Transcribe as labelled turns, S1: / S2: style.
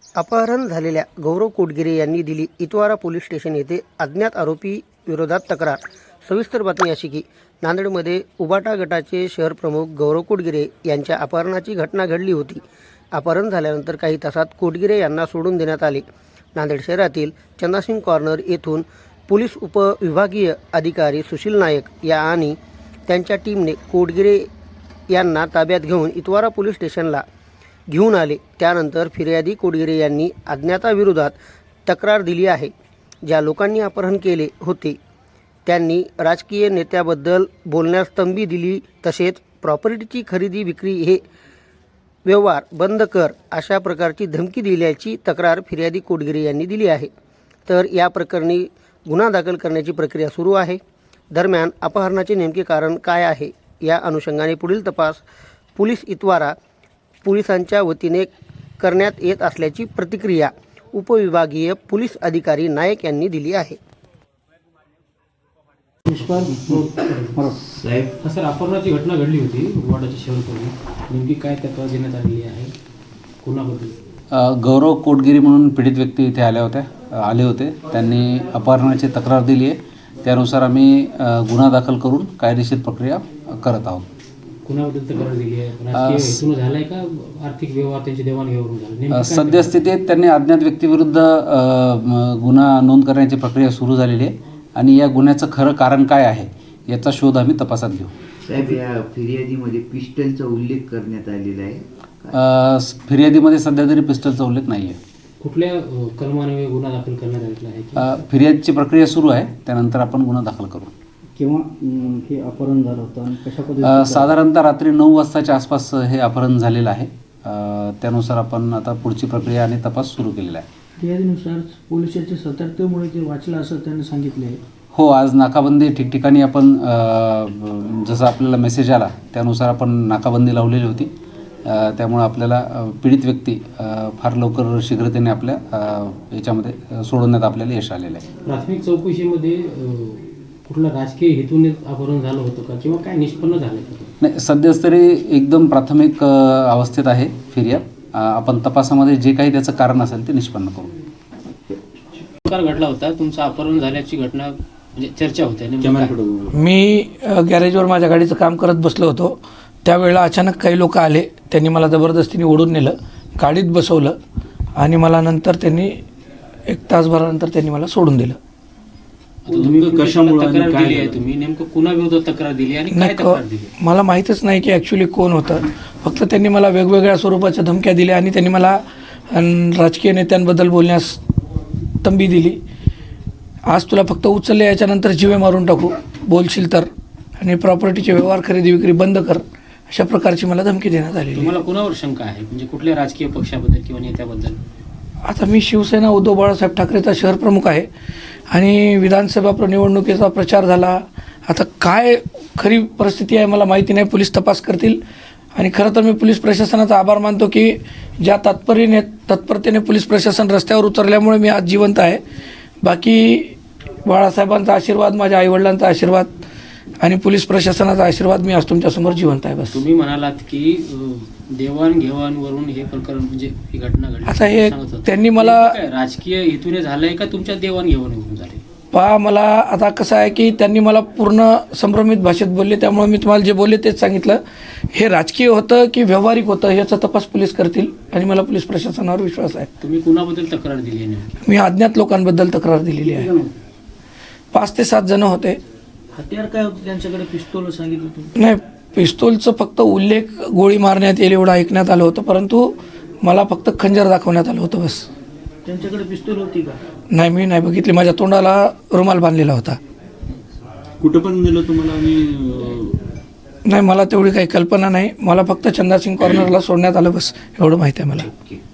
S1: अपहरण झालेल्या गौरव कोटगिरे यांनी दिली इतवारा पोलीस स्टेशन येथे अज्ञात आरोपी विरोधात तक्रार। सविस्तर बातमी अशी की नांदेडमध्ये उबाटा गटाचे शहर प्रमुख गौरव कोटगिरे यांच्या अपहरणाची घटना घडली होती। अपहरण झाल्यानंतर काही तासात कोटगिरे यांना सोडून देण्यात आले। नांदेड शहरातील चंदासिंग कॉर्नर येथून पोलीस उपविभागीय अधिकारी सुशील नायक या आणि त्यांच्या टीमने कोटगिरे यांना ताब्यात घेऊन इतवारा पोलीस स्टेशनला घेऊन आले। त्यानंतर फिर्यादी कोटगिरे यांनी अज्ञाताविरोधात तक्रार दिली आहे। ज्या लोकांनी अपहरण केले होते त्यांनी राजकीय नेत्याबद्दल बोलण्यास तंबी दिली, तसेच प्रॉपर्टीची खरेदी विक्री हे व्यवहार बंद कर अशा प्रकारची धमकी दिल्याची तक्रार फिर्यादी कोटगिरे यांनी दिली आहे। तर या प्रकरणी गुन्हा दाखल करण्याची प्रक्रिया सुरू आहे। दरम्यान अपहरणाचे नेमके कारण काय आहे या अनुषंगाने पुढील तपास पोलीस इतवारा पोलिसांच्या वतीने करण्यात येत असल्याची प्रतिक्रिया उपविभागीय पोलीस अधिकारी नायक यांनी दिली आहे।
S2: साहेब, सर अपहरणाची घटना घडली होती उबाटाच्या शहरामध्ये, नेमकी काय तक्रार देण्यात आलेली आहे, कोणाबद्दल?
S3: गौरव कोटगिरी म्हणून पीडित व्यक्ती इथे आले होते। त्यांनी अपहरणाची तक्रार दिली आहे। त्यानुसार आम्ही गुन्हा दाखल करून कायदेशीर प्रक्रिया करत आहोत।
S2: कुणाबद्दल तक्रार दिली आहे? राजकीय हेतून झालाय का आर्थिक व्यवहार त्यांची देवाणघेवाण झाली?
S3: सद्यस्थितीत त्यांनी अज्ञात व्यक्तीविरुद्ध गुन्हा नोंद करण्याची प्रक्रिया सुरू झालेली आहे आणि या गुन्ह्याचं खरं कारण काय आहे याचा शोध आम्ही तपासात घेऊ।
S4: साहेब, या फिर्यादीमध्ये पिस्टलचा उल्लेख करण्यात आलेला आहे?
S3: फिर्यादीमध्ये सध्या तरी पिस्टलचा उल्लेख नाही आहे।
S2: कुठल्या कलमाने गुन्हा दाखल करण्यात आलेला आहे?
S3: फिर्यादीची प्रक्रिया सुरू आहे, त्यानंतर आपण गुन्हा दाखल करू।
S5: किंवा हे अपहरण झालं होतं आणि कशा पद्धतीने?
S3: साधारणतः रात्री 9 वाजताच्या आसपास हे अपहरण झालेलं आहे। त्यानुसार आपण आता पुढची प्रक्रिया आणि तपास सुरू केलेला आहे।
S5: फिर्यादीनुसार पोलिसांच्या सतर्कतेमुळे ते वाचलं असं त्यांनी सांगितले आहे।
S3: हो, आज नाकाबंदी ठिकठिकाणी आपण जसं आपल्याला मेसेज आला त्यानुसार आपण नाकाबंदी लावलेली होती। त्यामुळे आपल्याला पीडित व्यक्ती फार लवकर शीघ्रतेने आपल्या याच्यामध्ये सोडवण्यात आपल्याला यश आलेलं आहे।
S2: प्राथमिक चौकशीमध्ये कुठलं राजकीय हेतूने अपहरण झालं होतं का किंवा काय निष्पन्न झालं का?
S3: नाही, सध्याच तरी एकदम प्राथमिक अवस्थेत आहे फिर्याद। आपण तपासामध्ये जे काही त्याचं कारण असेल ते निष्पन्न करू।
S2: प्रकार घडला होता, तुमचं अपहरण झाल्याची घटना म्हणजे चर्चा होते।
S6: मी गॅरेजवर माझ्या गाडीचं काम करत बसलो होतो, त्यावेळेला अचानक काही लोक आले। त्यांनी मला जबरदस्तीने ओढून नेलं, गाडीत बसवलं आणि मला नंतर त्यांनी 1 तासभरानंतर त्यांनी मला सोडून दिलं।
S2: तुम्ही कशामुळे तक्रार दिली आहे? तुम्ही नेमकं कुणाविरोधात तक्रार दिली आणि काय तक्रार दिली?
S6: मला माहीतच नाही की ॲक्च्युली कोण होतं। फक्त त्यांनी मला वेगवेगळ्या स्वरूपाच्या धमक्या दिल्या आणि त्यांनी मला राजकीय नेत्यांबद्दल बोलण्यास तंबी दिली। आज तुला फक्त उचलले, याच्यानंतर जीवे मारून टाकू बोलशील तर, आणि प्रॉपर्टीचे व्यवहार खरेदी विक्री बंद कर, अशा प्रकारची मला धमकी देण्यात आली।
S2: तुम्हाला कुणावर शंका आहे, म्हणजे कुठल्या राजकीय पक्षाबद्दल किंवा नेत्याबद्दल?
S6: आता मी शिवसेना उद्धव बाळासाहेब ठाकरेचा शहर प्रमुख आहे आणि विधानसभा निवडणुकीचा प्रचार झाला। आता काय खरी परिस्थिती आहे मला माहिती नाही, पोलीस तपास करतील। आणि खरं तर मी पोलीस प्रशासनाचा आभार मानतो की ज्या तत्परतेने पोलीस प्रशासन रस्त्यावर उतरल्यामुळे मी आज जिवंत आहे। बाकी बाळासाहेबांचा आशीर्वाद, माझ्या आईवडिलांचा आशीर्वाद आणि पोलीस प्रशासनाचा आशीर्वाद, मी आज तुमच्यासमोर जिवंत आहे। बस
S2: तुम्ही म्हणालात की देवाणघेवाणवरून हे प्रकरण म्हणजे ही घटना घडली।
S6: आता हे त्यांनी मला
S2: राजकीय हेतूने झालंय का तुमच्या देवाणघेवाणीवरून झाले?
S6: मला आता कसं आहे की त्यांनी मला पूर्ण संभ्रमित भाषेत बोलले, त्यामुळे मी तुम्हाला जे बोलले तेच सांगितलं। हे राजकीय होतं की व्यावहारिक होतं याचा तपास पोलीस करतील आणि मला पोलीस प्रशासनावर विश्वास आहे।
S2: तुम्ही कुणाबद्दल तक्रार दिली आहे?
S6: मी अज्ञात लोकांबद्दल तक्रार दिलेली आहे। 5 ते 7 जण होते।
S5: हत्यार काय होतं त्यांच्याकडे? पिस्तूल सांगितलं तुम्ही?
S6: नाही, पिस्तूलचं फक्त उल्लेख गोळी मारण्यात येईल एवढं ऐकण्यात आलं होतं, परंतु मला फक्त खंजर दाखवण्यात आलं होतं बस।
S5: त्यांच्याकडे पिस्तूल होती का?
S6: नाही, मी नाही बघितली। माझ्या तोंडाला रुमाल बांधलेला होता।
S7: कुठं पण दिलं तुम्हाला?
S6: नाही, मला तेवढी काही कल्पना नाही। मला फक्त चंदासिंग कॉर्नरला सोडण्यात आलं बस, एवढं माहिती आहे मला।